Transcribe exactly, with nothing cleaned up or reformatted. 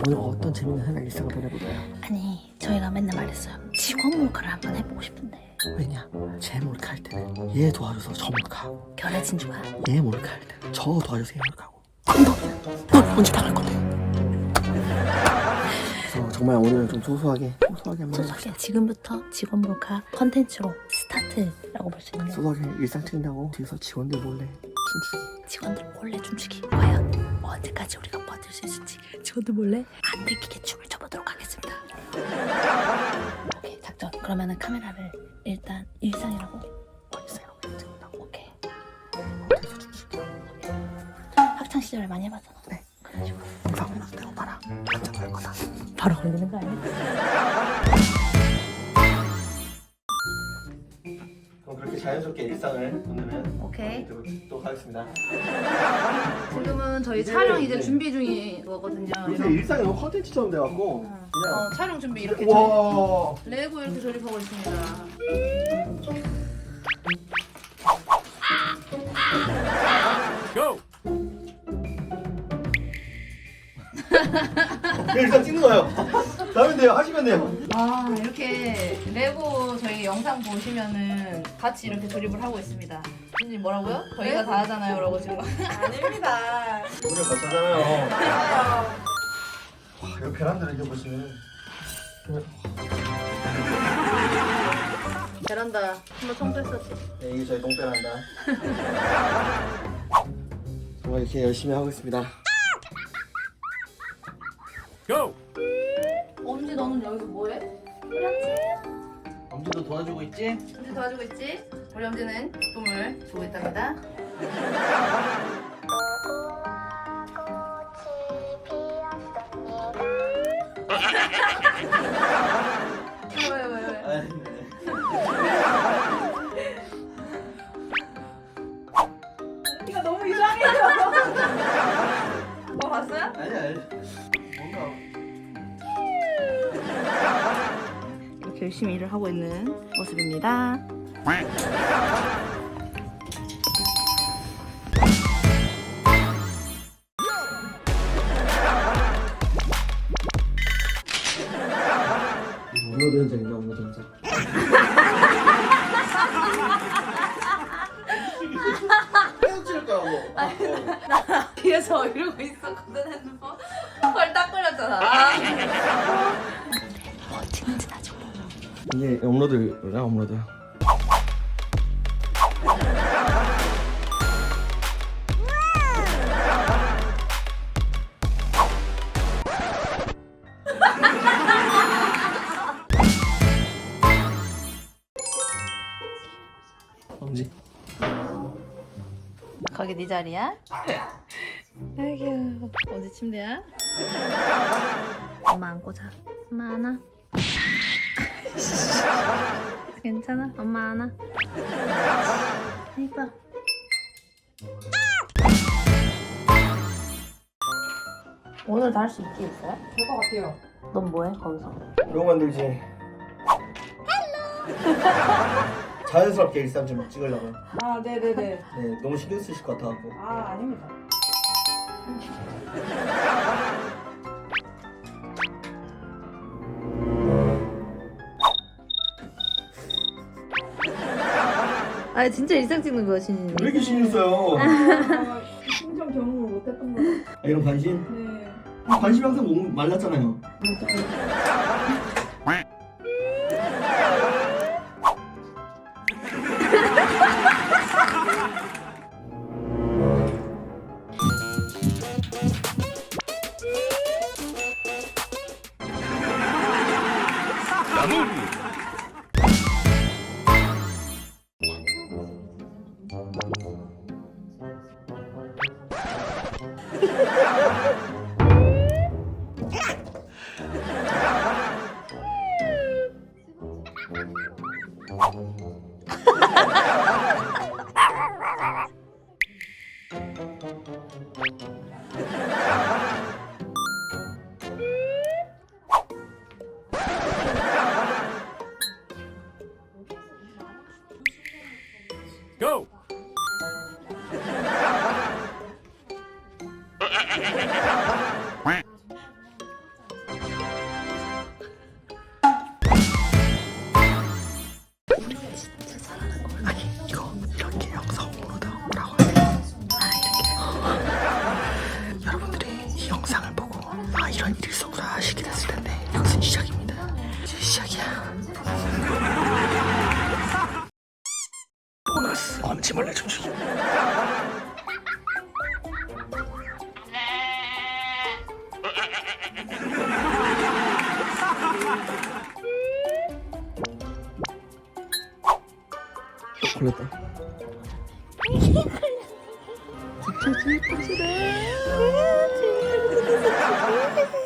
오늘 어떤 재밌는 하나 일상을 보내볼까요? 아니 저희가 맨날 말했어요. 직원 몰카를 한번 해보고 싶은데 왜냐? 제 몰카 할 때는 얘 도와줘서 저 몰카하고, 결의 진주가 얘 몰카 할 때는 저 도와줘서 얘 몰카하고. 넌, 넌 언제 당할 건데? 그래서 정말 오늘은 좀 소소하게 소소하게 한번 해봅시다. 소소하게 지금부터 직원 몰카 컨텐츠로 스타트라고 볼 수 있는데, 소소하게 일상 찍는다고 뒤에서 직원들 몰래 춤추기. 직원들 몰래 춤추기. 과연 언제까지 우리가 버틸 수 있을지 직원들 몰래 안 들키게 춤을 춰보도록 하겠습니다. 오케이, 작전. 그러면은 카메라를 일단 일상이라고 일상이라고 찍는다고. 오케이. 뒤에서 춤추기. 학창 시절에 많이 해봤잖아. 네. 그래가지고 방금 내가 봐라. 완전 할 거다. 바로 걸리는 거 아니야? 그럼 그렇게 자연스럽게 일상을 오늘은 오케이. 찍도록 하겠습니다. 지금은 저희 이제, 촬영 이제 네. 준비 중인 거거든요. 요새 일상이 너무 컨텐츠처럼 돼갖고 어, 그냥 촬영 준비 이렇게 와. 조- 레고 이렇게 조립하고 있습니다. 일상 찍는 거예요. 다음에 돼요. 하시면 돼요. 와 이렇게 레고 저희 영상 보시면은 같이 이렇게 조립을 하고 있습니다. 선생님 뭐라고요? 저희가 다 하잖아요, 라고 지금. 아닙니다. 오늘 같이 하잖아요. 와, 이거 베란다를 이렇게 보시면 베란다 한번 청소했었지. 네, 이게 저희 똥베란다. 정말 이렇게 열심히 하고 있습니다. 엄지 너는 여기서 뭐해? 엄지도 도와주고 있지? 엄지 도와주고 있지? 우리 엄지는 기쁨을 주고 있답니다. 왜, 왜, 왜? 아, 네. 이거 너무 이상해요. 뭐 봤어요? 아니 아니. 뭔가 이렇게 열심히 일을 하고 있는 모습입니다. 업로드 현장인가 업로드 현장. 계속 찍을 거야 뭐. 뒤에서 이러고 있었거든, 핸드폰. 헐딱 걸렸잖아. 뭐 찍는지 나중에. 이게 업로드야 업로드. 엄지. 거기 네 자리야? 아이고, 어디 침대야? 엄마 안고 자. 엄마 안아. 괜찮아? 엄마 안아. 이뻐. 오늘도 할 수 있게 있어요? 될 것 같아요. 넌 뭐해 거기서? 이거 만들지. 자연스럽게 일상 좀 찍으려고. 아, 네네네. 네, 너무 신경 쓰실 것 같아갖고. 아, 아닙니다. 아 진짜 일상 찍는 거야, 진이. 왜 이렇게 신경 써요? 아, 심정 경험을 못했던 거예요. 아, 이런 관심? 네. 관심이 항상 몸 말랐잖아요. Go! 시작이야. 보너스 엄지벌레 춤추기. 걸렸다. 진짜 진짜